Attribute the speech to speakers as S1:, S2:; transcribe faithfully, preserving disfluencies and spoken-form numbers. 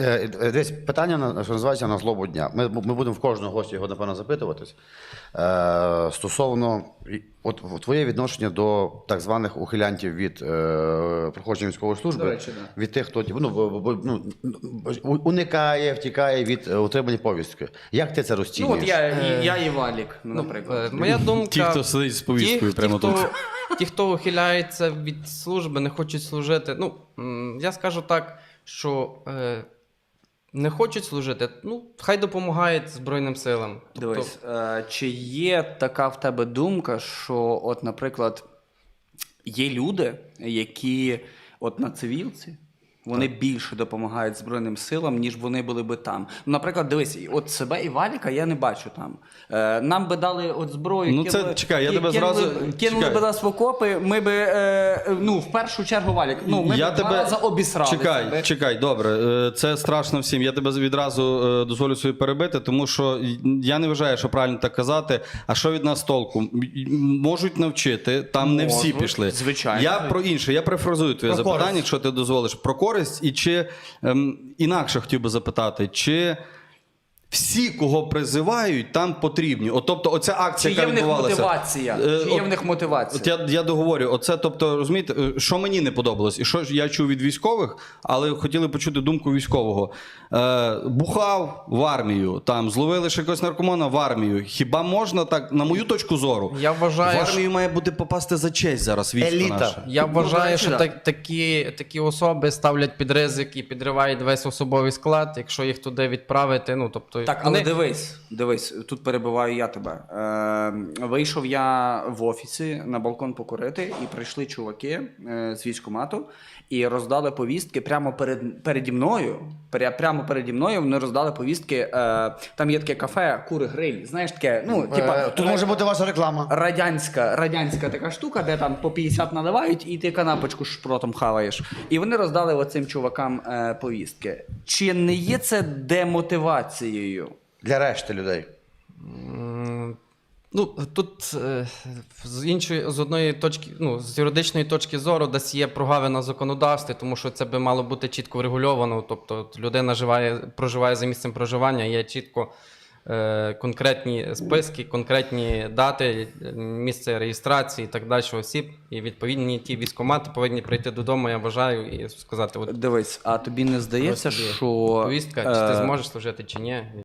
S1: Е, е, Десь питання, на- що називається на злобу дня. Ми, ми будемо в кожного гостя його, напевно, запитуватись. Е, стосовно і- от, в- твоє відношення до так званих ухилянтів від е, проходження військової служби,
S2: До речі, да.
S1: від тих, хто ну, бо- бо- ну, у- уникає, втікає від е, отримання повістки. Як ти це
S2: Ну,
S1: розцінюєш?
S2: от я, і- я і Валік, ну, наприклад.
S3: Е, Моя думка...
S4: Ті, хто сидить з повісткою
S3: ті,
S4: прямо
S3: ті,
S4: тут.
S3: Хто, ті, хто ухиляється від служби, не хочуть служити. Ну, м, я скажу так, що е, не хочуть служити, ну, хай допомагають Збройним силам. Тобто,
S2: Дивись, е, чи є така в тебе думка, що, от, наприклад, є люди, які от на цивілці, вони більше допомагають Збройним силам, ніж вони були би там. Ну, наприклад, дивись, от себе і Валіка я не бачу там. Е, нам би дали от зброю,
S4: Ну, це- чекай, я
S2: ки-
S4: тебе
S2: кинули,
S4: зразу-
S2: кинули
S4: чекай.
S2: би нас в окопи, ми би, е, ну, в першу чергу, Валік, ну, ми
S4: я
S2: б два рази обісрали
S4: Чекай,
S2: себе.
S4: чекай, добре. е, Це страшно всім. Я тебе відразу е, дозволю собі перебити, тому що я не вважаю, що правильно так казати. А що від нас толку? М- Можуть навчити, там не всі
S2: Можуть,
S4: пішли.
S2: звичайно.
S4: Я про інше, я перефразую твоє
S1: Про
S4: запитання,
S1: користь.
S4: якщо ти дозволиш. Про користь і чи ем, інакше хотів би запитати, чи всі, кого призивають, там потрібні. От, тобто, оця
S2: Чи
S4: акція,
S2: є
S4: яка
S2: в них
S4: відбувалася.
S2: мотивація?
S4: Е,
S2: Чи є
S4: от-
S2: в них мотивація?
S4: От я, я договорю, оце, тобто, розумієте, е, що мені не подобалось, і що ж я чув від військових, але хотіли почути думку військового. Е, бухав в армію, там, зловили ще якогось наркомана в армію. Хіба можна так, на мою точку зору,
S3: Я вважаю,
S4: в армію має бути попасти за честь зараз військо
S1: Еліта.
S4: наше.
S3: Я
S2: Ну, до
S3: вважаю,
S2: речі,
S3: що
S2: да.
S3: так, такі, такі особи ставлять під ризик і підривають весь особовий склад, якщо їх туди відправити. Ну, тобто,
S2: Так, але
S3: вони-
S2: дивись, дивись, тут перебиваю я тебе. Е, вийшов я в офісі на балкон покурити, і прийшли чуваки е, з військкомату і роздали повістки прямо перед, переді мною. Пря- Прямо переді мною вони роздали повістки. Е, там є таке кафе, кури гриль. Знаєш таке, ну, типа.
S1: Е, Тут може бути ваша реклама.
S2: Радянська, радянська така штука, де там по п'ятдесят наливають, і ти канапочку шпротом хаваєш. І вони роздали оцим чувакам е, повістки. Чи не є це демотивацією?
S1: Для решти людей.
S3: М, Ну, тут е, з іншої, з одної точки, ну, з юридичної точки зору, десь є прогавина в законодавстві, тому що це би мало бути чітко врегульовано. Тобто от людина живає, проживає за місцем проживання, є чітко е, конкретні списки, конкретні дати, е, місце реєстрації і так далі осіб. І відповідні ті військкомати повинні прийти додому, я вважаю, і сказати, от
S2: Дивись, а тобі не здається,
S3: ось тобі
S2: що
S3: повістка, чи ти
S2: е,
S3: зможеш служити, чи ні.